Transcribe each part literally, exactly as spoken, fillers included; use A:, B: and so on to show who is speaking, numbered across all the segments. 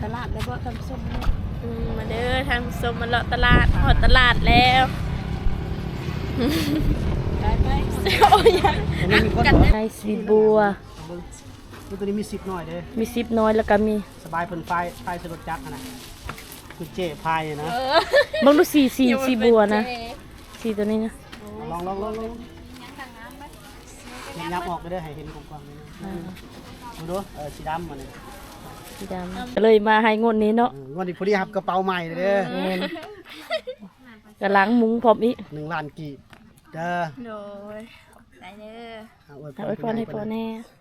A: ตลาดแล้วบ่ทำส้มเนี่ย
B: อืมมาเด้อทางส้มมาเลาะตลาดหอดตลาดแล้ว
A: ได้ไหม
B: โอ้ยยัง
C: อันนี้มีคน
B: กัน
C: บอก
B: ไอซีบัว
C: นี่ตัวนี้มีสิบหน่อยเด้
B: มีซิปน้อยแล้วก็มี
C: สบายเพิ่นไฟไฟสลดจักรนะคือเจ๊พายนะ
B: บางดูสีสีสีบัวนะสีตัวนี้นะ
C: ลองลองลองลองยับออกไปเด้อให้เห็นกว้างๆเลยนะดูดูเออสีดำมันนี่
B: สีดำก็เลยมาให้งวดนี้เนาะ
C: งวดนี้พอดีครับกระเป๋าใหม่เลยเด้อ
B: แม่นกำลังมุ้งพร้อมอีก
C: หนึ่งล้านกีบเด้อ
B: โดยได้เด้อ
C: เอาไว้
B: เอาไว้พรให้พ่อแน่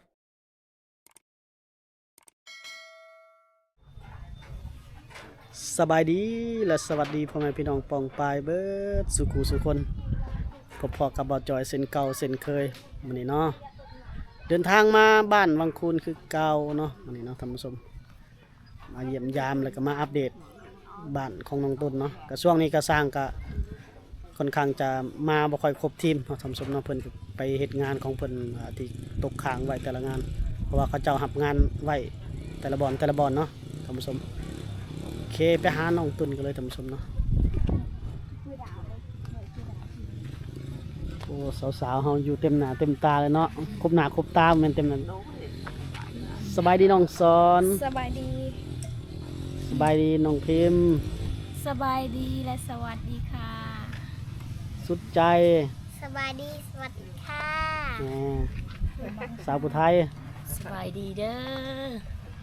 C: สบายดีและสวัสดีพ่อแม่พี่น้องปองปายเบิดสุขูสุคนพบพอกับบ่าวจอยเส้นเก่าเส้นเคยมื้อนี้เนาะเดินทางมาบ้านวังคูนคือเก่าเนาะมื้อนี้เนาะท่านผู้ชมมาเยี่ยมยามแล้วก็มาอัปเดตบ้านของน้องต้นเนาะก็ช่วงนี้ก็สร้างก็ค่อนข้างจะมาบ่ค่อยครบทีมเนาะท่านผู้ชมเนาะเพิ่นก็ไปเฮ็ดงานของเพิ่นอ่าที่ตกค้างไว้แต่ละงาน เพราะว่าเขาเจ้ารับงานไว้แต่ละบอนแต่ละบอนเนาะท่านผู้ชมโอเคไปหาน้องตุนกันเลยท่านผู้ชมเนาะโอ้สาวๆเฮาอยู่เต็มหน้าเต็มตาเลยเนาะครบหน้าครบตาแม่นเต็มนั้นสบายดีน้องสอน
A: สบายดี
C: สบายดีน้องพิมพ์
A: สบายดีและสวัสดีค่ะ
C: สุดใจ
A: สบายดีสวัสดีค่ะ
C: แหมสาวผู้ไทย
B: สบายดีเด้อ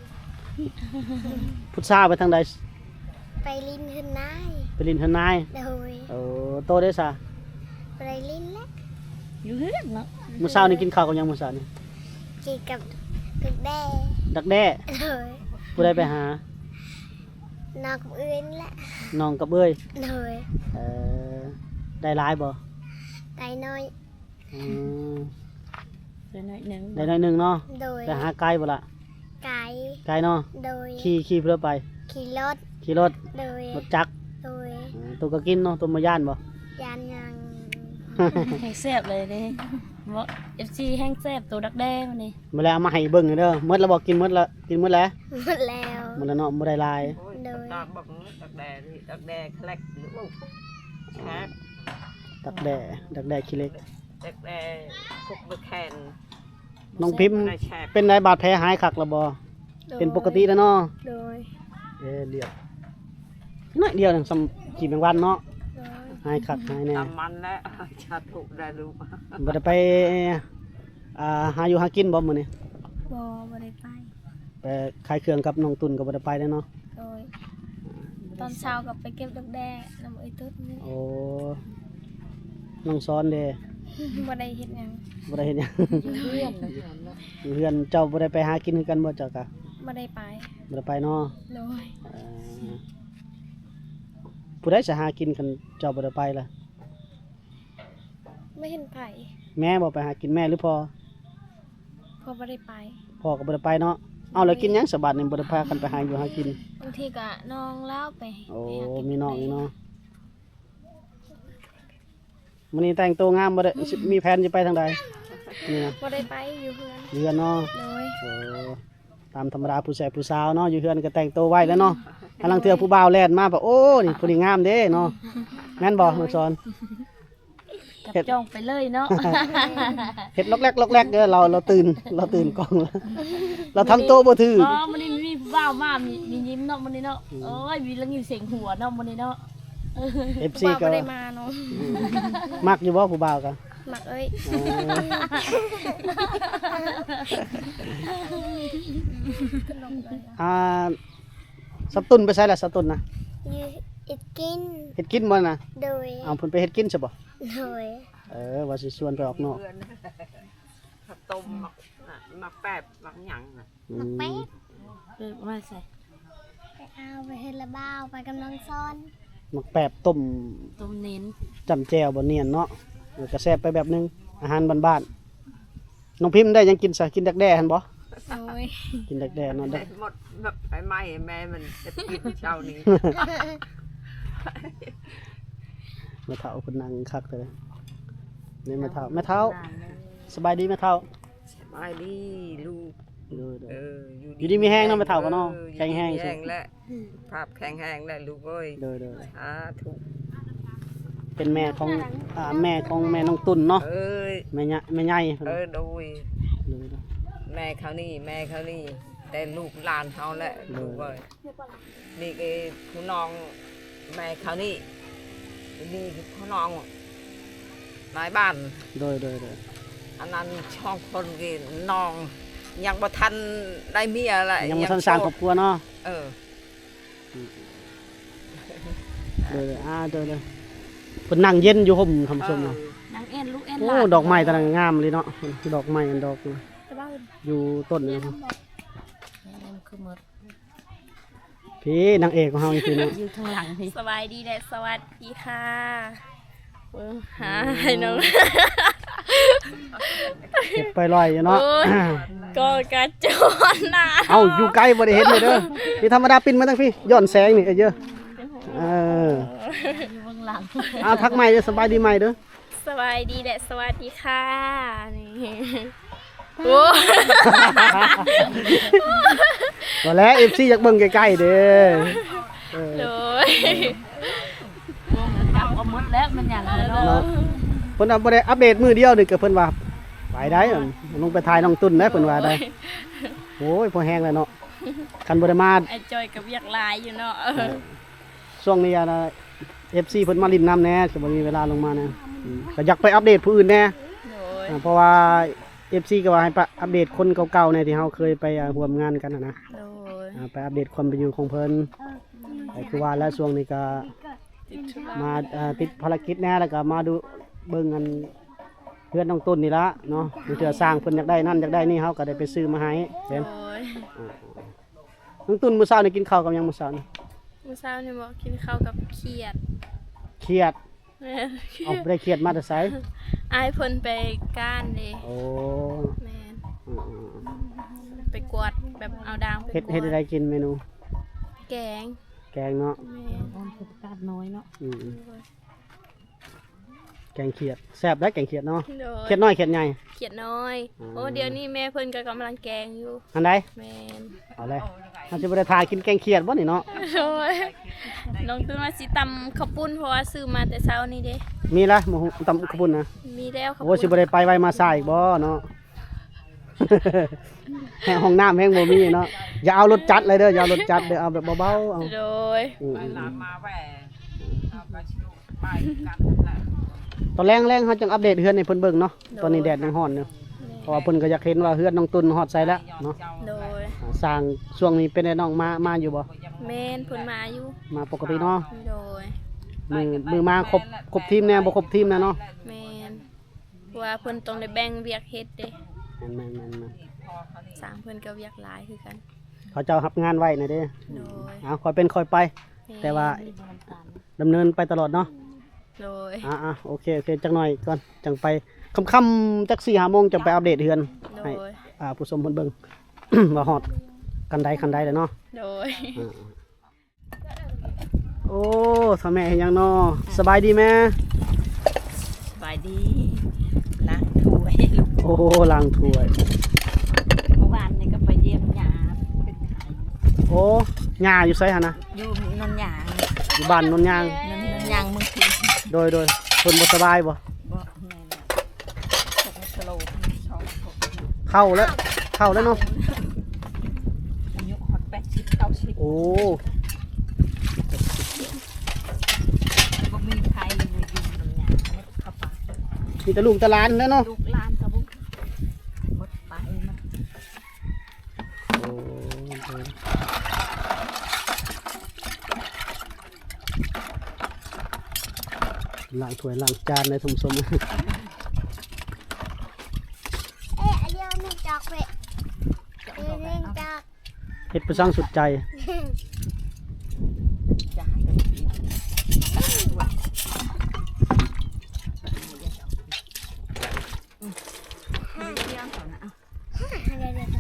C: พุทธาไปทางใด
A: ไปลินขึ้นนาย
C: ไปลินทนาย
A: โดย
C: โอ้โตได้ซะ
A: ไปลินและ
B: อยู่เฮือนเนาะ
C: มื้อเช้านี่กินข้าวกับหยังมื้อเช้านี่
A: กีกับตึกแด้
C: ดักแด้
A: โดย
C: ผู้ใดไปหา
A: นอกกับอื่นและ
C: น้องกับเอ้ย
A: โดย
C: เออได้หลายบ่
A: ไก่น้อย
C: อืม
B: เดี๋ยวหน่อยหนึง
C: ได้หน่อยหนึงเนาะ
A: โดย
C: ไปหาไกลบ่ล่ะ
A: ไก่
C: ไกลเนาะ
A: โดย
C: ขี่ขี่เพื่อไป
A: ขี่รถ
C: ขี่รถ
A: โดย
C: รถจักร
A: โดย
C: อืมตัวก็กินเนาะตัวมาย่านบ่
A: ยานยัง
B: แห้งแซ่บเลยเด้บ่ เอฟ ซี แห้งแซ่บตัวดักแด้มันนี่
C: มาแล้วเอามาให้เบิ่งเด้อหมดแล้วบ่กินหมดละกินหมดแล้ว
A: หมดแล้ว
C: หมดแล้วเนาะบ่ได้หลาย
A: โดย
D: ตากบักดักแดดดักแดดแคลกหรือว่าแคก
C: ดักแด้ดักแด้ขี้เล็ก
D: ดักแดดพวกเบอร์แคน
C: น้องพิมพ์
D: นายแชก
C: เป็นไดบาดแผลหายคักแล้วบ่เป็นปกติแล้วเนาะ
A: โดย
C: เอ้เรียบน้อยเดียวนึงสำกี่แมงวันเนาะ
A: โดย
C: หายคักหายแน่
D: ตามมันแล้ว ชาถูกได้รู้
C: บ่ได้ไปอ่าหาอยู่หากินบ่มื้อนี้
A: บอบได้ไป
C: ไปขายเครื่องกับน้องตุนก็บ่ได้ไปเด้อเนาะ
A: โดยตอนเช้ากับไปเก็บดอกแด้น้ำไอ้ตุ๊ดนี่
C: โอ้น้องซ้อนเด้
A: บ่ได้เฮ็ดหยัง
C: บ่ได้เห็นหยัง
B: เพื่อนนะ
C: เพื่อนเจ้าบ่ได้ไปหากินคือกันบ่เจ้ากะ
A: บ่ได้ไป
C: บ่ได้ไปเนาะ
A: โดย
C: เอ่อผู้ใดสิหากินคันเจ้าบ่ได้ไปล่ะ
A: ไม่เห็นไผ
C: แม่บ่ไปหากินแม่หรือพ่อ
A: เพอบ่ได้ไป
C: พ่อก็บ่ได้ไปเนาะเอาแล้วกินหยังสบัดนี่บ่ได้พากันไปหาอยู่หากิน
A: บางทีก็น้องเล่าไป
C: โอ้
A: ไปหากิ
C: มีน้องนี่เนาะมื้อนี้แต่งตัวงามบ่ได้สิมีแผนสิไปทางใดนี่นะ
A: บ่ได้ไปอยู่เพื่อน
C: อยู่เฮือนเนาะ
A: โดย
C: โอ้ตามธรรมดาผู้ชายผู้สาวเนาะอยู่เฮือนก็แต่งตัวไว้แล้วเนาะกำลังเทื่อผู้บ่าวแล่นมาบ่โอ้นี่ผู้นี้งามเด้เนาะแม่นบ่น้องสอน
B: จับจ้องไปเลยเนาะ
C: เฮ็ดล็อกแรกล็อกแรกเด้อเราเราตื่นเราตื่นกล้องแล้วเราทำโตวบ่ถือ
B: อ๋อมันนี่มีบ้าวมามีมียิ้มเนาะมันนี่เนาะโอ้ยมีแล้วมีเสียงหัวเนาะมันนี่เนาะ
C: เอฟ ซี
A: บ่าว
C: ก็
A: บ่ได้มาเนาะ
C: มักอยู่บ่ผู้บ่าวก็
A: มักเอ้ย
C: อ่าสับตุนไปใส่ละสับตุนนะ
A: อยู่อิดกิน
C: เฮ็ดกินบ่น่ะ
A: โดย
C: เอาเพิ่นไปเฮ็ดกินซะบ่
A: โดย
C: เออว่าสิชวนไปออกนอก
D: เพื่อนข้าวต้มหมักน่ะหมักแปบหมักหยังน่ะ
C: อืม
A: แป๊บ
B: เออมาใส่
A: ไปเอาไปเฮ็ดละบ้าวไปกำลังซ้อน
C: มักแปบต้ม
B: ต้มเน้น
C: จำแจ่วบ่เนียนเนาะเออก็แซ่บไปแบบนึงอาหารบ้านๆน้องพิมพ์ได้ยังกินซะกินดักแด้หั่นบ่
A: โดย
C: กินดักแด้เนาะดัก
D: หมดแบบไฟไหม้แม่มันจะกินเช้านี้
C: แม่เฒ่าเพิ่นนั่งคักเลยนี่แม่เฒ่าแม่เฒ่าสบายดีแม่เฒ่า
D: สบายดีลูก
C: เด้อ
D: เอ
C: เด้อ
D: อ
C: อยู่ดีมีแห้งเนาะไปเฒ่ากันเนาะ
D: ออ
C: แข็งแห้ง
D: อยู่ดีมีแห้งแล้วภาพแข็งแห้งแล้วลูกเอ้ย
C: เด้อเด้อ
D: สาธุ
C: เป็นแม่ของอ่าแม่ของแม่น้องตุ่นเนาะ
D: เอ้ย
C: แม่ใหญ่แม่ใหญ่
D: เออโดย
C: เด้อเด้อ
D: แม่เขานี่แม่เขานี่แต่ลูกหลานเขาแหละ
C: เลย
D: ลูกเอ้ยนี่คือผู้น้องแม่เขานี่นี่คือผู้น้องนายบ้าน
C: โดยโดยโดย
D: อันนั้นช่องคนกินน้องยังบ่ทันได้เมียอะไร
C: ยังบ่ทันสร้างครอบครัวเนาะ
D: เออ
C: เด้ออ่าเด้อเด้อเพิ่นนั่งเย็นอยู่ห่มทำส้มเนาะ
B: นางเอ็นลูกเอ็น
C: โอ้
B: หลาน
C: ดอกไม้ตะนังงามเลยเนาะดอกไม้อันดอก
A: แต่ว่า
C: อยู่ต้นนี่เนาะ
B: คือหมด
C: พี่นางเอกของเฮานี่คือเนาะ
B: อยู่ข้างหลังพี่
A: สบายดีและสวัสดีค่ะเบิ่งหาให้น้อง
C: เก็บไปลอยอยู่เนาะ
A: โอ้ย ก็กระโจนน่ะ
C: เอ้าอยู่ไกลบ่ได้เห็นเลยเด้อพี่ธรรมดาปินมาตั้งพี่ย้อนแสงนี่เอ้ยเยอะเออ
B: อยู่ข้างหลัง
C: เอาทักใหม่เด้อสบายดีใหม่เด้อ
A: สบายดีและสวัสดีค่ะนี่โอ้
C: บ่แล้ว เอฟ ซี อยากเบิ่งใกล้ๆเด้อเออ
A: โดย
B: จับเอาหมดแล้วมันอย่างเลย
C: เนาะ
B: เนาะ
C: เพิ่นเอาบ่ได้อัปเดตมื้อเดียวนี่ก็เพิ่นว่าไปได้อะลงไปถ่ายน้องตุ้นได้เพิ่นว่าได้โอ้ยพอแห้งแล้วเนาะคันบ่ได้มา
A: ไอจอยกับเวียกลายอยู่เนาะ
C: ช่วงนี้อะนะ เอฟ ซี เพิ่นมาลินน้ำแหน่ก็บ่มีเวลาลงมานะอืมก็อยากไปอัปเดตผู้อื่นแหน่
A: โดย
C: อ่าเพราะว่า เอฟ ซี ก็ว่าให้ไปอัปเดตคนเก่าๆในที่เฮาเคยไปอ่าร่วมงานกันน่ะนะ
A: โดย
C: อ่าไปอัปเดตความเป็นอยู่ของเพิ่นแต่คือว่าแล้วช่วงนี้ก็
A: ติดธุระ
C: มาอ่าติดภารกิจแหน่แล้วก็มาดูเบิ่งกันเพื่อนน้องต้นนี่ละเนาะมีเทื่อสร้างเพิ่นอยากได้นั่นอยากได้นี่เฮาก็ได้ไปซื้อมาให้เห็น
A: โดย
C: น้องต้นมื้อเช้านี่กินข้าวกับหยังมื้อเช้านี่
A: มื้อเช้านี่บอกกินข้าวกับเขียด
C: เครียด
A: แม่
C: เอาบ่ได้เครียดมาแต่ไส
A: อายเพิ่นไปก้านเด้
C: โอ้
A: แม่น
C: อืม
A: ไปกวาดแบบเอาดางไป
C: ๆเฮ็ด
A: กวา
C: เฮ็ดอะไรกินเมนู
A: แกง
C: แกงเนาะ
A: แม่น
B: ตอนคือประกาศน้อยเนาะ
C: อืมๆแกงเขียดแซ่บได้แกงเขียดเนาะ
A: โดย
C: เขียดน้อยเขียดใหญ่
A: เขียดน้อย
C: อืม
A: โอ้เดี๋ยวนี้แม่เพิ่นก็กำลังแกงอยู่
C: อันใด
A: แม่น
C: เอาเลยมันจะบ่ได้ทากินแกงเขียดบ่นี่เนาะ
A: โดยน้องตุ้นว่าสิตำข้าวปุ้นเพราะว่าซื้อมาแต่เช้านี้เด้
C: มีละหมูตำขบุญนะ
A: มีแล้วข้าว
C: โอ้สิ
A: ปุ้น
C: บ่ได้ไปไว้มาซ่าอีกบ่เนาะ แห้งห้องน้ำแห้งบ่มีเนาะอย่าเอารถจัดเลยเด้ออย่าเอารถจัดเด้อเอาแบบเบาๆเอา
A: โดย
C: อืม
D: ไปลามมาแหวเอาไปชิลูกไปกันแหละ
C: ตอนแรงๆเฮาจังอัปเดตเฮือนให้เพิ่นเบิ่งเนาะตอนนี้แดดยังร้อนเนาะเพราะว่าเพิ่นก็อยากเห็นว่าเฮือนน้องตุนฮอดใส่แล้วเนาะ
A: โดย
C: อ่าสร้างช่วงนี้เป็นไอ้น้องมามาอยู่บ่
A: แม่นเพิ่นมาอยู่
C: มาปกติเนาะ
A: โดย
C: มือมือมาครบครบทีมแน่บ่ครบทีมแน่เนาะ
A: แม่นเพราะว่าเพิ่นต้องได้แบ่งเวียกเฮ็ดเด้
C: แม่นๆ
A: สร้างเพิ่นก็เวียกหลายคือกัน
C: ๆเขาเจ้ารับงานไว้น่ะเด้
A: โดย
C: เอาค่อยเป็นค่อยไป
A: ม่น
C: แต่ว่าดำเนินไปตลอดเนาะ
A: โดย
C: อ่าอ่ะโอเคโอเคจังหน่อยก่อนจังไปค่ำๆจักสี่ห้าโมงจังไปอัปเดตเฮือน
A: โด
C: ให้
A: ย
C: อ่าผู้ชมเพิ่นเบิ่ง ว่าฮอดกันใดคันใดเลยเนาะ
A: โดย
C: อ่าโอ้ทำแม่เห็นยังเนาะสบายดีแม่
B: สบายดีล้างถ้วยลูก
C: โอ้ล้างถ้วย
B: เมื่อวานนี่ก็ไปเยี่ยมยาเป็นไข้
C: โอ้ย่าอยู่ไสหั่นนะ
B: อยู่นนยาง
C: อยู่บ้านนนยาง
B: นนนยางเมึงที
C: โดยโดยเพิ่นบ่สบายบ่
B: บ่แม่นตกสโลปชอบตก
C: เข้าแล้วเข้าแล้วเนาะ
B: อายุฮอตแปดสิบเก้าสิบ
C: โอ้
B: บ่มีใครเลยอยู่นนยางไม่เข้าไป
C: มีแต่ลูกแต่หลานแล้วเนาะ
B: ลูกหลานกระบุกหมดไปมัน
C: โอ้ล้างถ้วยล้างจานในทุ่มสม
E: เอ๊ะเดี๋ยวนึงจากเวะเดี๋ยวนึงจาก
C: เฮ็ดไปสร้างสุดใจ
B: จ้าเลยเที่ยงก่อนนะเอา
E: เดี๋ยวเดี๋ยว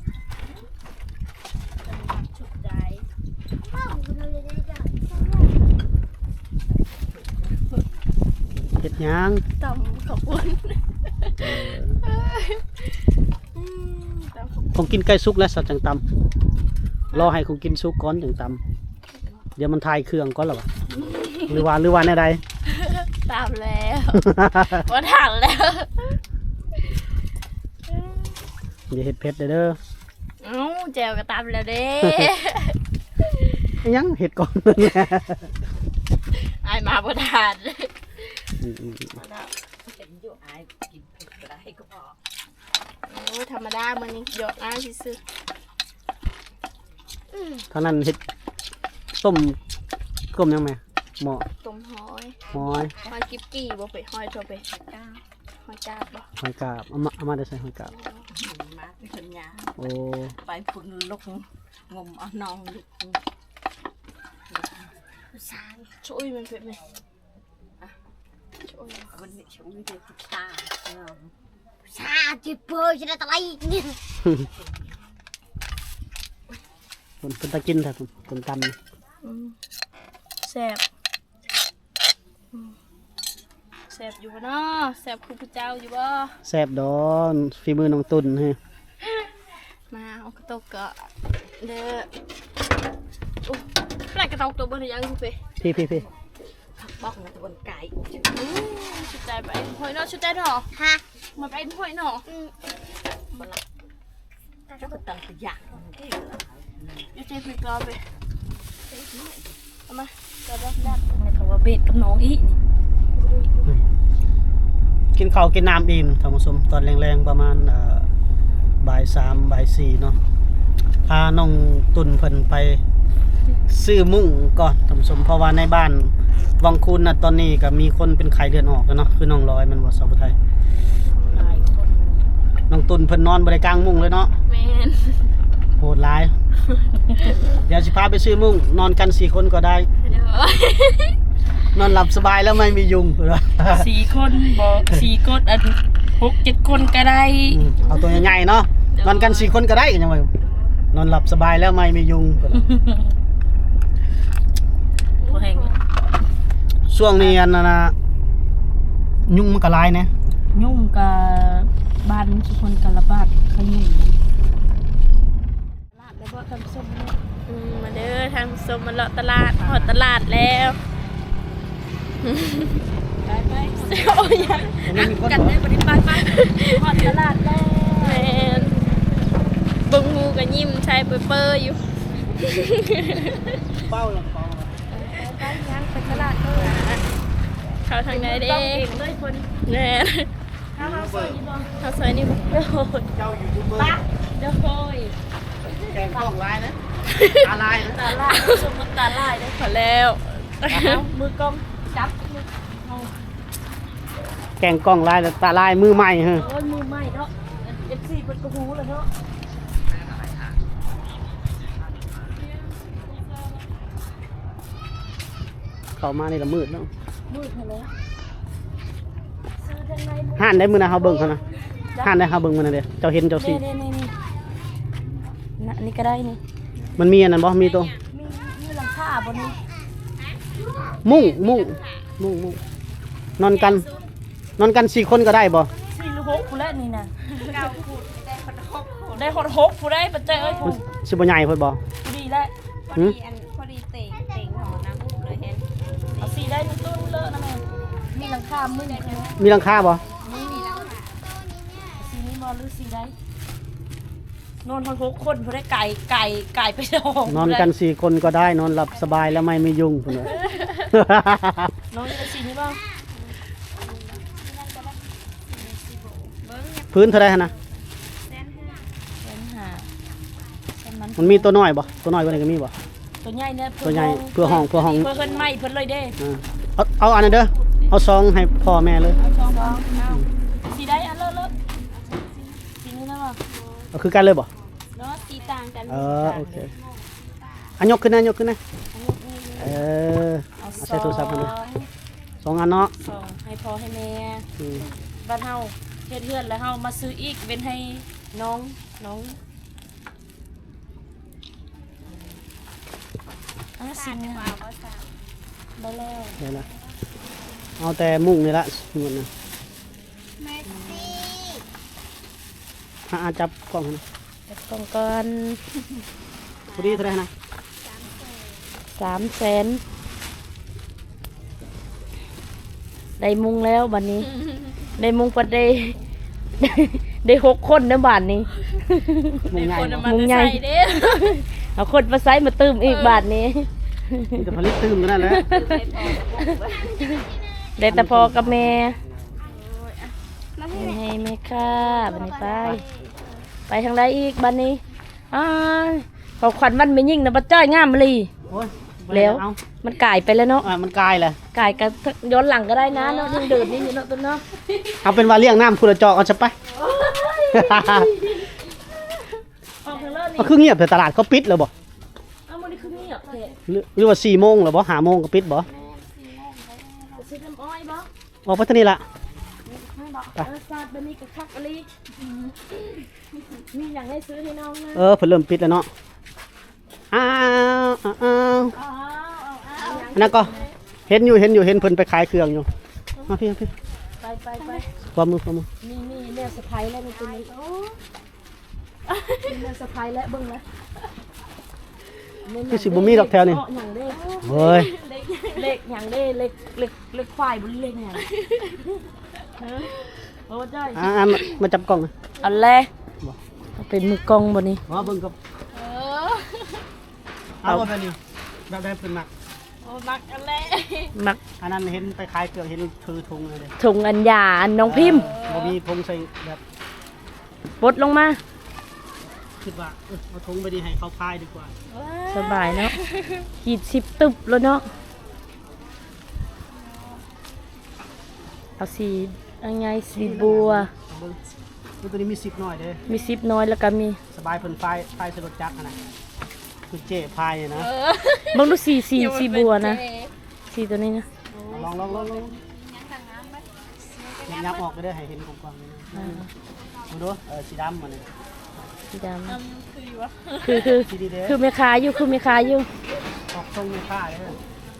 A: ชุดใด
E: พ่อคุณดูเลยจ้ะ
C: เฮ็ดหยัง
A: ตำข้าวปุ้นอืมตำข้าวปุ้น
C: คงกินใกล้สุกแล้วสัตว์จังตำรอให้คงกินสุกก่อนจังตำเดี๋ยวมันทายเครื่องก่อนหรอวะหรือว่าหรือว่าแน่ใด
B: ตามแล้วว่าถามแล้ว
C: อย่าเห็ดเผ็ดเด้อเด้อ
B: เอ้าแจวก็ตามแล้วเด้
C: ยังเห็ดก่อนนั่นแหละ
B: ไอายมาบ่ทาน
C: อืมอืม
D: เห็นอยู่อายกินเผ็ดก็ได้ก็พอ
B: โอ้ธรรมดามื้อนี้หยอกอ้ายซื่อ
C: เท่านั้นเห็ดต้มต้มยังไงหม้อ
B: ๆต้มหอย
C: หอย
B: หอยกิ๊บกี้บ่ไปหอยทั่วไปจ้าหอยจ้าบบ่
C: หอยกาบเอามาเอามาได้ใส่หอยกาบ
D: มาเป็นคนยา
C: โอ้
D: ไปพุ่นลูกงมเอาน้องลูก
B: ช่วยมันเผ็ดไหมอ่ะช่วย
D: วันนี้ช่วยเด็กผู้ชายเนาะ
E: ชาจิเปอร์จะได้ตะไลเนี่ย
C: คนเป็นตะกินแท้ผมคนตำนี่
B: อืมแซ่บอืมแซ่บอยู่บ่เนาะแซ่บคือพระเจ้าอยู่บ่
C: แซ่บดอนฝีมือน้องตุ่นเฮ้ย
B: มาเอากระตกกะเด้อโอ้แปลกกระตกตัวบนยังคุณเป้
C: พี่พี่พี่
D: บอกนะบนไก่
B: อู้ชุดใจไปหอยเนาะชุดใจเนาะ
E: ฮะ
B: มาไปหอยเนาะ
E: อืม
D: แล้วก็ตั้งตัวอย่างที่
B: เดี๋ยวเจ๊ไปกรอไปเอามากระบอกดักในคำว่าเบ็ดกับน้องอีนี่
C: กินข้าวกินน้ำอิ่มท่านผู้ชมตอนแรงๆประมาณเอ่อบ่ายสามบ่ายสี่เนาะพาน้องตุ่นเพิ่นไปซื้อมุ้งก่อนท่านผู้ชมเพราะว่าในบ้านวังคูนน่ะตอนนี้ก็มีคนเป็นไข้เลือดออกแล้วเนาะคือน้องร้อยมันบ่สาวไทย
B: หลายคน
C: น้องตุ่นเพิ่นนอนบ่ได้กลางมุ้งเลยเนาะ
B: แมน
C: โหดร้าย เดี๋ยวสิพาไปซื้อมุ้งนอนกันสี่คนก็ได้
B: เด้อน
C: อนหลับสบายแล้วไม่มียุง
B: สี่คนบ่สี่คนอันหกเจ็ดคนก็ได้
C: อืมเอาตัวใหญ่ๆเนาะนอนกันสี่คนก็ได้ยังไงนอนหลับสบายแล้วไม่มียุง
B: ตัวแห้ง
C: ช่วงนี้อันนั้นนะยุงมันก็หลายนะ
B: ยุ่งกับบ้านทุกคนกันละบาดขยุ่งตลาดแล้วก็ทำส้มอืมมาเด้อทำส้มมาเลาะตลาดหอดตลาดแล้วไปไปโอ้ยยัง
C: มันมีคน
B: กันได้บริการไปหอดตลาดแล้วแมนเบิ่งงูกับยิ้มชายเปอร์อยู่
C: เป้าลงคอ
B: ไปยังไปตลาดเลยเข้าทางไหนเด้เลยคนแน่ข้าวซอยนี่บ่ข้าวซอยนี่บ่เด้อ
C: เจ้ายูทูบเบอร์
B: เด้อโอย
C: แกงกล้องลายนะตาลายนะ
B: ตาลายสมมติตาลายได้ขอแล้วมือกล้องจับมือเอา
C: แกงกล้องลายแล้วตาลายมือใหม่ฮะ
B: โอ้ยมือใหม่เนาะเอฟซีเป็นกระหูเลยเนาะ
C: เข้ามานี่ละมืดแล้ว
B: มืดมาแล้วซื้อทางไหน
C: ห่านได้มือนะเฮาเบิ่งเขานะห่านได้เฮาเบิ่งมันนะเด้อเจ้าเห็นเจ้าสิ
B: นี่นี่นี่นี่อันนี้ก็ได้นี่
C: มันมีอันนั้นบ่มีตัว
B: มีมีหลังคาบนนี้
C: มุ้งมุ้งมุ้งมุ้งนอนกัน นอนกันสี่คนก็ได้บ่
B: สี่หรือหกผู้แรกนี่นะได้หกหกผู้ได้ปัจจัยเอ้ย
C: มั
B: ผู้
C: นสิบ่ใหญ่เพิ่นบ่
B: ดีแล้ว
C: หึ
B: พอดีเต่งเต่งของน้ำเลยเห็นเอาสีได้มีตู้เลอะนะแม่มีหลังคามึงเลย
C: มีหลังคาบ่
B: นี่สีนี้มอหรือสีได้นอนทั้งหกคนพอได้ไก่ไก่ไก่ไปดอง
C: นอนกันสี่คนก็ได้นอนหลับสบายแล้วไม่มียุงพุ่นน่ะ
B: น้องจะสีนี้บ้าง
C: พื้นเท่าไรฮะนะ
B: เส้นหาเส้นมัน
C: มันมีตัวน้อยบ่ตัวน้อยกว่านี้ก็มีบ่
B: ตัวใหญ่เนี่ย
C: ตัวใหญ่เพื่อห้องเพื่อห้อง
B: เพื่อเพิ่นไม่เพิ่นเลยเด้
C: อ่าเอาเอาอันนั้นเด้อเอาซองให้พ่อแม่เลย
B: เอาสองเอาสีได้อันเลอะเลอะสีนี้นะบ่
C: เอาคือกันเลยบ่
B: เนาะสีต่างกัน
C: เออโอเคอันยกขึ้นนะยกขึ้นนะเออ
B: เอา
C: เอา
B: ส
C: ใส่
B: อง
C: โทรศัพท์มาเลยสองอันเนาะ
B: สองให้พ่อให้แม่
C: อืม
B: บ้านเฮาเฮ็ดเฮือนแล้วเฮามาซื้ออีกเว้นให้น้องน้องอ่ะสิงห์บ่แล้ว
C: เดี๋ยวนะเอาแต่มุ้งนี่ละหมดนะ
E: เมสซี่
C: หาจับกล้องให้นะ
B: แต่จับกล่องก่อน
C: พอดีเท่าไหร่นะ
B: สามแสนได้มุงแล้วบัดนี้ ได้มุงปัดได้ ได้หกคนในบ้านนี้
C: มุงใหญ่
B: คน
C: บ่
B: มุงใหญ่เอาคนมาใส่มาตื้มอีกบาทนี้
C: มีแต่ผลิตตื้มกันนั่นแหละ
B: ได้แต่พอกับแม่ให้แม่ค่ะบันนี้ไป ไปทางใดอีกบันนี้อ้ายขอขวัญวันไม่ยิ่งนะบัดจ้อยงามเลย
C: โอ้ย
B: แล้ว
C: เอา
B: มันกลายไปแล้วเนาะ
C: อ่ะมันกลายเลย
B: กลายกันย้อนหลังก็ได้นะเนาะยังเดินนี่อยู่เนาะตัวเนาะ
C: เอาเป็นว่าเลี้ยงน้ำคุณละจอกเอาจะไป
B: ออกทางเลิศนี่
C: ก็คือเงียบแต่ตลาดเขาปิดแล้วบ่
B: เอามันนี่คือเงียบเถอะ
C: หรือหรือว่าสี่โมงหรือบ่ห้าโมงก็ปิดบ่
B: จะซื้อน้ำอ้อยบ่
C: ออกไปทางนี้ละ
B: ไม่บอกเออซาดบันนี้กับคักอะไรมีอย่างให้ซื้อให้น้องนะ
C: เออเพิ่นเริ่มปิดแล้วเนาะอ้าวอ้าวอ้าว
B: อ๋อเอาเอา
C: อันนั้นก็เห็นอยู่เห็นอยู่เห็นเพิ่นไปขายเครื่องอยู่มาพี่มาพี่
B: ไปไปไป
C: ความมือความมือ
B: นี่นี่เนื้อสะพายแล้วในตัวนี้โอ้เนื้อสะพายแล้วเบิ่งนะ
C: คือสิบ่มีดอกแถวนี่
B: เาะอย่างเด้
C: เฮ้ย
B: เล็กเล็กอย่างเด้เล็กเล็กเล็กควายบนเล็กอย่างฮะโอ้จ้อย
C: อ่าอ่ามามาจับกล้องนะ
B: เอันแรกเอาเป็นมือกล้องบนนี้
C: อ๋อเบิ่งกับเอาบ่แบบนี้แบบได้เพิ่นมัก
A: โอ้มักอันแรก
B: มัก
C: อันนั้นเห็นไปขายเครื่องเห็นถือถุงเลยเด้
B: ถุงอันยาอันน้องพิมพ์
C: บ่มีถุงใส่แบบ
B: ปลดลงมา
C: คิดว่าเออเอาถุงไปดีให้เขาพายดีกว่า
B: สบายเนาะขีดสิบตึบแล้วเนาะเอาสียังไงสีบัว
C: เอาเบิ่งมันตัวนี้มีสิบหน่อยเด้
B: มีซิปน้อยแล้วก็มี
C: สบายเพิ่นพายพายสรถจักรอะนะคือเจ๊พายอะนะ
B: เบางดูสีสีสีบัวนะสีตัวนี้นะ
C: ลองลองลองลองยับออกไปได้ให้เห็นกว้างๆเลยนะ
B: อ่า
C: ดูดูเออสีดำมันนี่
B: สีดำคือคือ
C: สีดีเด้
B: คือแม่ค้าอยู่คือแม่ค้าอยู่
C: ออกทรงมีค่าเลยนะ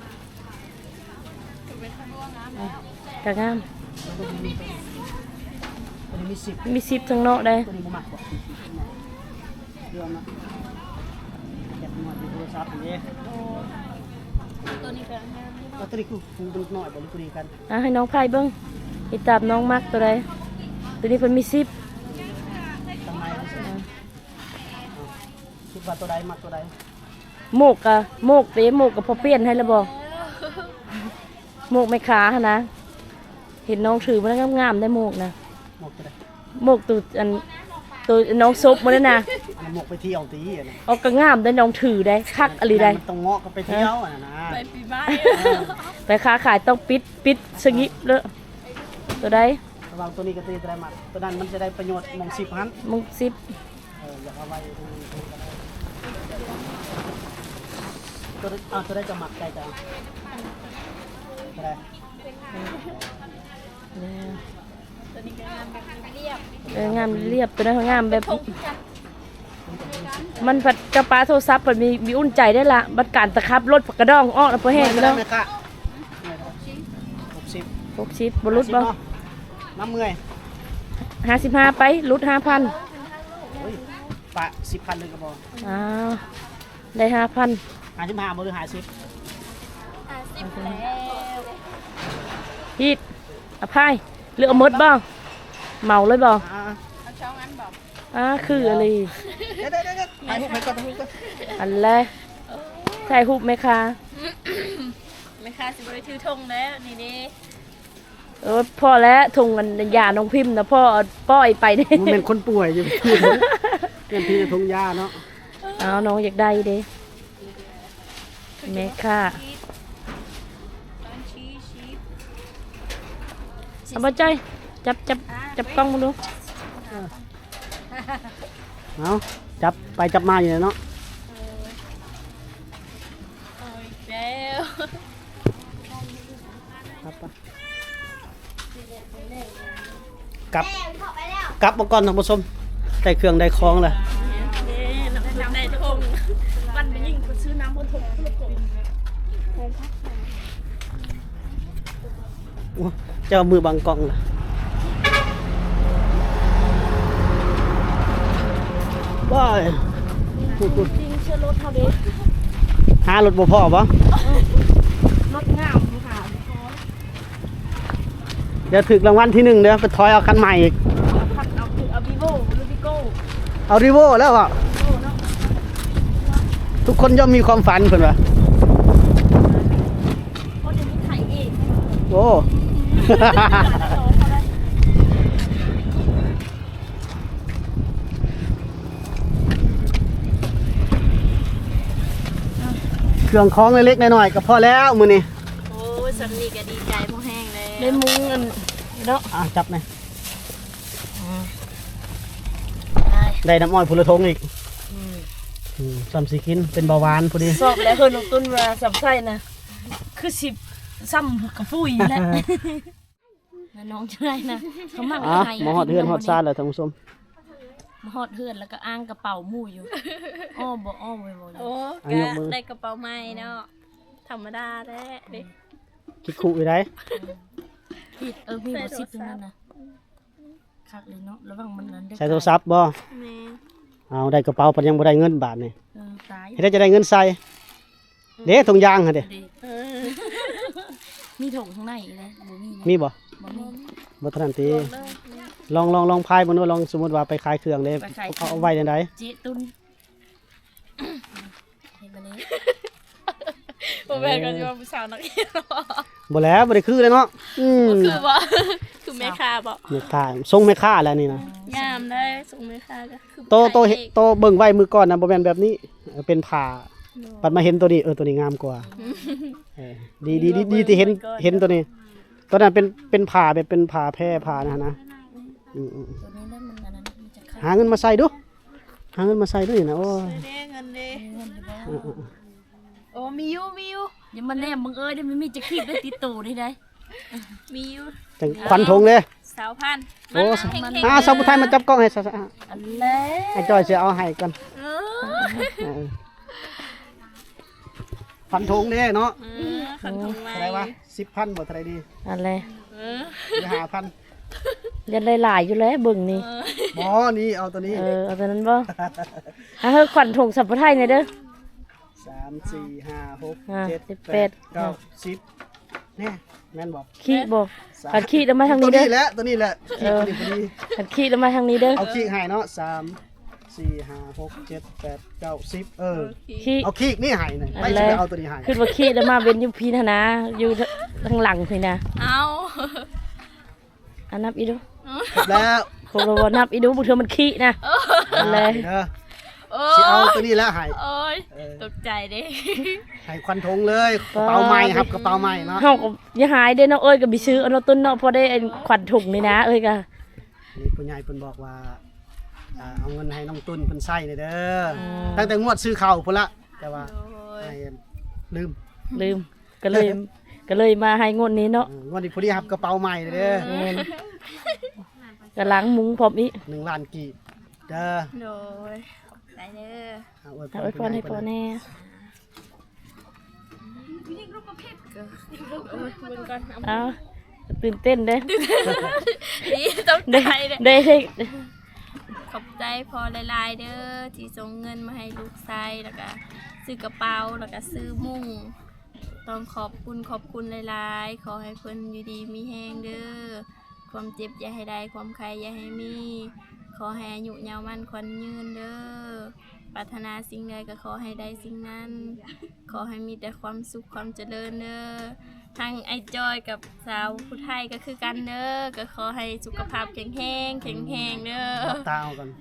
B: กะงาม
C: แล้วตัวนี้มีตัวนี้มีสิบ
B: มีซิปทั้งนอกได้
C: ตัวนี้บ่มักกว่าเรื่องนะเก็บหน่อยดูโทรศัพท์อันนี้
A: ตัวนี้ก็งาม
C: แล้วตัวนี้คือฟูดูหน่อยบ่หรือพอดีกัน
B: อ่ะให้น้องไผ่เบิ้งติดตามน้องมักตัวใดตัวนี้เพิ่นมีซิป
C: ทำไมล่ะสิเอาคิดว่าตัวใดมักตัวใด
B: โมกกะโมกเตะโมกกับพอเปลี่ยนให้แล้วบ่โมกไม่ขาหนนะเห็นน้องถือมันงามๆได้โมกนะ
C: หมกตัวใด
B: โมกตัวอันตัวน้องซบมาแล้วนะ
C: อันนั้นหมกไปเที่ยวตีอะนะ
B: เอาก็งามได้น้องถือได้คักอะไรได้
C: มันต้องเงาะก็ไปเที่ยวอ่ะนะ
A: ไปปีใหม่
B: ไปค้าขายต้องปิดปิดสงิเลยตัวใด
C: ระหวังตัวนี้กับตัวนี้ตัวใดมักตัวนั้นมันจะได้ประโยชน์หมองสิบหัน
B: มึงซิป
C: เอออยากเอาไว้ตรงนี้ตรงนี้ก็ได้ตัวใดอ่าตัวใดจะหมักใจจังตัวใด
A: ตัวนี้ก็งามแบบเรียบ
B: เอองามเรียบตัวนั้นเขางามแบบ มันผัดกระปาโทรศัพท์ผัดมีมีอุ่นใจได้ละบัดการตะครับรถผักกระดองอ้อแล้วพอแห้ง
C: ไม่
B: แล้
C: ได้
B: ว
C: ไหมคะหกสิบ
B: หกสิบบรุษบ่
C: เนาะน้ำเมื่อย
B: ห้าสิบห้าไปรุดห้าพัน
C: เฮ้ยปะสิบพันหนึ่งกระบอก
B: อ้าวได้ห้าพัน
C: หาสิบห้าบหรือหาสิบ
A: อ่ะสิบแล้ว
B: ฮีดอภัยเลือกเอาหมดบ่เมาเลยบ่
C: อ่า
A: เอาช่องอันบอก
B: อ่าคืออะไร
C: เดี๋ยวเดี๋ยวเดี๋ยวถ่ายรูปไปก่อนถ่ายรูปก่อน
B: อันแรกใช่หุบไหมคะ
A: ไม่ค่าสิบริถือธงแล้วนี่ดิ
B: เออพ่อแล้วทงกันยาน้องพิมพ์นะพ่อเอาป้อยไปเนี่ย
C: มันเป็นคนป่วยอยู่พูดเป็นพี่จะทงยาเนาะ
B: เอาน้องอยากได้เด้แม่ค่ะ
A: ตอนชี้ชี้
B: เอาบ่จ้อยจับจับจับกล้องมาดู
C: เอาจับไปจับมาอยู่เนาะ
A: เอาอีกแล้ว
C: ครับไปกลับกลับมาก่อนท่านผู้ชมได้เครื่องได้ของเลย
B: น้ำในทงวันไปยิ่งซื้อน้ำบนทง
C: โอ้เจ้ามือบังกล้องล่ะว้าย
B: จริงเชื่อรถเท่าเด็ก
C: หารถบ่พอบ่
B: รถงามค่ะ
C: เดี๋ยวถึกรางวัลที่หนึ่งเดี๋ยวไปถอยเอาคันใหม่อีก
B: ขับเอาคือเอาบีโวหรือบิโก้
C: เอาริโวแล้วอ่ะทุกคนย่อมมีความฝันเพิ่นว่า
B: เพราะเดี๋ยวนี้ไถเอง
C: โอ้ เครื่องของเล็กๆน้อยๆก็พอแล้วมื้อนี้
B: โอ้ยสำนีก็ดีใจพอแห้งเลยได้มุ้งเงินเนาะ
C: อ่ะจับหน่อยได้น้ำอ้อยพุละทงอีกอืมซ้ำสิกินเป็นเบาหวานพอดี
B: สอบแล้วเพิ่นลงต้นมาสำไส้นะคือสิบซ้ำกับปุ้ยแล้วน้องจะได้นะเขามัก
C: อ่ะ
B: ไทย
C: มาฮอดเฮือนฮอดซ่านแล้วท่านผู้ชม
B: มาฮอดเฮือนแล้วก็อ้างกระเป๋าหมู่อยู่อ้อบ่อ้อบ่บ่
A: โอ้
C: อ่ะยกมือ
A: ได้กระเป๋าใหม่เนาะธรรมดาแท้เด็ก
C: คิดคู่อีได้
B: ผิดเออมีบ่สิบตรงนั้นนะคักเลยเนาะระวังมันนั้นได้
C: ใช้โทรศัพท์บ่
A: แม่
C: เอาได้กระเป๋าปันยังบ่ได้เงินบาทนี่
B: เออตาย
C: เฮ็ดได้จะได้เงินใส่เด้ถุงยางหั่นเด้
B: ดีมีถุงข้างในเลยบ่มีนะ
C: มีบ่
B: บ่มี
C: บ่ทันทีลองลองลองพายบ่นู้นลองสมมุติว่าไปขายเครื่องเด้
B: ไปขายเครื่
C: เอา
B: อง
C: เอาไว้ในใด
B: เจ๊ตุนเห็นบ่นี้
A: บ่แม่นก็สิว่าผู้สาวนักเรียนเนาะ
C: บ่แล้วบ่ได้คือเลยเนาะอืม
A: คือบ่คือแม่ค้าบ่
C: แม่ค้าส่งแม่ค้าแล้วนี่นะ
A: งามได้ส่งแม่ค้าก็คือ
C: โตโตเห็นโตเบิ่งไว้มือก่อนนะบ่แม่นแบบนี้เออเป็นผ้าปัดมาเห็นตัวนี้เออตัวนี้งามกว่าเออดีดีดีดีที่เห็นเห็นตัวนี้ตัวนั้นเป็นเป็นผ้าแบบเป็นผ้าแพร่ผ้านะนะอืม
B: ตัวนี้ได้มันอันนั้นมันจะ
C: ๆ
B: ขาด
C: หาเงินมาใส่ดูหาเงินมาใส่ด้วยนะโอ้ย
A: เด้เงินเด้
B: เงินอยู่บ่
C: เออเออ
A: โอ้มีอยู่มีอยู่
B: อย่ามาแนมมึงเอ้ยเดี๋ยวมันมีจะคีบได้ติดตัวได้ได้
A: มีอยู่
C: จังควันธงเลย
A: สาวพัน
C: โอ้
A: มัน
C: อ่าสาวผู้ไทยมาจับกล้องให้ซะๆอ่ะ
B: อันแล้ว
C: ให้จอยสิเอาให้ก่อน
A: เออ
C: เออควันธงเด้เนาะ
A: เออขันทงไว้
C: เท่าไหร่วะสิบพันบ่เท่าไหร่ดี
B: อันแล้ว
A: เออ
C: หรือห้าพัน
B: เรียนหลายๆอยู่แล้วเบิ่งนี่
C: บ่นี่เอาตัวนี้
B: เออเอาตัวนั้นบ่อ่ะเฮ้ยขวัญถุงสัมปทานหน่อยเด้อ
C: สามสี่ห้าหก
B: อ่า
C: เจ็ด
B: สิบ
C: แป
B: แป
C: ด
B: ด
C: เก้าสิบเนี่ยแม่นบอก
B: ขี้บ่ขันขี้แล้วมาทางนี้
C: ตัว
B: เด้อ
C: นี้แหละตัวนี้แหละขี้ตัวนี้พอดี
B: ขันขี้แล้วมาทางนี้เด้อ
C: เอาขี้ให้เนาะสามสี่ห้าหกเจ็ดแปดเก้าสิบเออ
B: ขี้
C: เอาขี้นี่ให้หน่อย
B: อัน
C: ไม่
B: แร
C: ใช่
B: ก
C: เอาตัวนี้ให้
B: คือว่าขี้แล้วมาเว้นอยู่พี่นะนะอยู่ทางหลังพี่นะ
A: เอา
B: อันนับอีดู
C: ครบแล้ว
B: โคโรวนับอีดูบุเธอมันขี้นะอันเลย
C: เด้อ
A: โอ้
C: สิเอาตัวนี้แล้วให้
A: โอ้ย
C: เออ
A: ตกใจเด้
C: ให้ควันธงเลยกระเป๋าใหม่ครับกระเป๋าใหม่เนาะ
B: เฮาก็อย่าหายเด้อเนาะเอ้ยก็ไปซื้อเอาเนาะต้นเนาะพอได้ไอ้ขวัญถุงนี่นะเอ้ยก็
C: นี่ผู้ใหญ่เพิ่นบอกว่าอ่าเอาเงินให้น้องตุ้นเพิ่นใช้เลยเด้อตั้งแต่งวดซื้อข้าวพุ่นละแต่ว่า
A: โอ้ย
C: ให้ลืม
B: ลืมก็เลยก็เลยมาให้งวดนี้เนาะ
C: อืมงวดนี้พอดีครับกระเป๋าใหม่เลยเด้อ
B: แม่นก็ล้างมุ้งพร้อมอีก
C: หนึ่งล้านกีบเด้อ
A: โดยขอบใจเด้อ
C: เอาไว้
B: เอาไว้พรให้พ่อแน่
A: โอ้ยบุญก่อนเอา
B: เอาตื่นเต้นเด้
A: ดีตก
B: ได้
A: ใจเด้อ
B: ได้ได้
A: ขอบใจพอหลายๆเด้อที่ส่งเงินมาให้ลูกชายแล้วก็ซื้อกระเป๋าแล้วก็ซื้อมุ้งต้องขอบคุณขอบคุณหลายๆขอให้เพิ่นอยู่ดีมีแห้งเด้อความเจ็บอย่าให้ได้ความใครอย่าให้มี ขอให้อายุยาวมั่นขวัญยืนเด้อปรารถนาสิ่งใดก็ขอให้ได้สิ่งนั้น ขอให้มีแต่ความสุขความเจริญเด้อทั้งไอ้จอยกับสาวผู้ไทยก็คือกันเด้อก็ขอให้สุขภาพแข็งแรงแข็งแรงเด้อ
C: รับตาเอากัน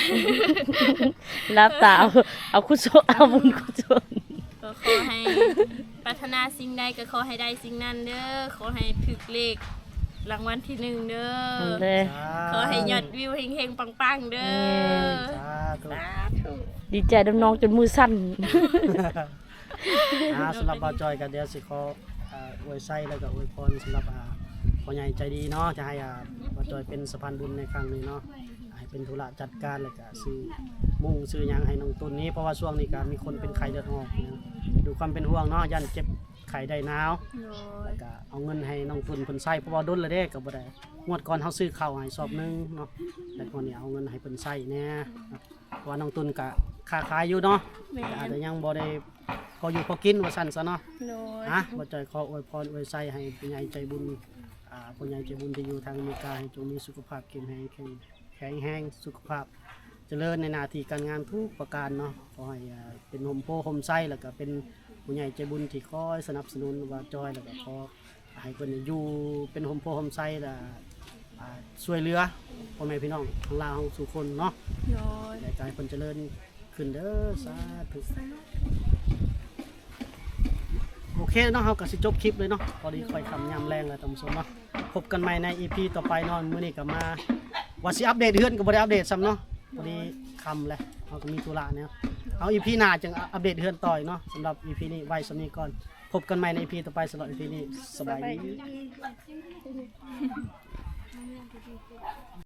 B: รับตาเอาเอาคุโซเอาบุญคุโซ
A: ก็ขอให้ปรารถนาสิ่งใดก็ขอให้ได้สิ่งนั้นเด้อขอให้ถึกเลขรางวัลที่หนึ่งเด้อ
B: อันเลย
A: ขอให้ยอดวิวเฮงๆปังๆเด้อ
C: สาธุ
A: สาธุ
B: ดีใจดำน้องจนมือสั่น
C: อ่าสำหรับบ่าวจอยก็เดี๋ยวสิขออ่าอวยไส้แล้วก็อวยพรสำหรับอ่าพ่อใหญ่ใจดีเนาะจะให้อ่าบ่าวจอยเป็นสะพานบุญในครั้งนี้เนาะให้เป็นธุระจัดการแล้วก็ซื้อมุ่งซื้อหยังให้น้องตุนนี้เพราะว่าช่วงนี้ก็มีคนเป็นไข้เลือดออกนะดูความเป็นห่วงเนาะยันเจ็บไข้ได้หนาว
A: โดย
C: ก็เอาเงินให้น้องตุนเพิ่นใช้เพราะว่าดนละเด้ก็บ่ได้งวดก่อนเฮาซื้อข้าวให้สอบหนึงเนาะแต่ก่อนนี้เอาเงินให้เพิ่นใช้แหน่ครับว่าน้องตุนก็ค้าขายอยู่เนาะ
A: แม่
C: แต่อาจ
A: น
C: จะยังบ่ได้พออยู่พอกินว่าซั่นซะเนาะ
A: โดย
C: อ่ะบ่จ่อยขออวยพรอวยไส้ให้ผู้ใหญ่ใจบุญอ่าผู้ใหญ่ใจบุญที่อยู่ทางอเมริกาให้จงมีสุขภาพเข้มแข็งแข็งแข็งแรงสุขภาพเจริญในหน้าที่การงานทุกประการเนาะขอให้อ่าเป็นโฮมโพโฮมไส้แล้วก็เป็นผู้ใหญ่ใจบุญที่คอยสนับสนุนว่าจอยแล้วก็ขอให้เพิ่นอยู่เป็นโฮมโพโฮมไส้แล้วอ่าช่วยเหลือพ่อแม่พี่น้องทั้งลาวทั้งสู่คนเนาะ
A: โดย
C: และกายเพิ่นเจริญขึ้นเด้อสาธุโอเคเนาะเฮาก็สิจบคลิปเลยเนาะพอดีค่อยคำยามแรงแล้วท่านผู้ชมเนาะพบกันใหม่ใน อี พี ต่อไปเนาะมื้อนี้ก็มาว่าสิอัปเดตเฮือนก็บ่ได้อัปเดตซ้ำเนาะพอดีค่ำแล้วเฮาก็มีธุระเนี่ยเอา อี พี หน้าจึงอัปเดตเฮือนต่ออีกเนาะสำหรับ อี พี นี้ไว้สำนี้ก่อนพบกันใหม่ใน อี พี ต่อไปสำหรับ อี พี นี้สบายดี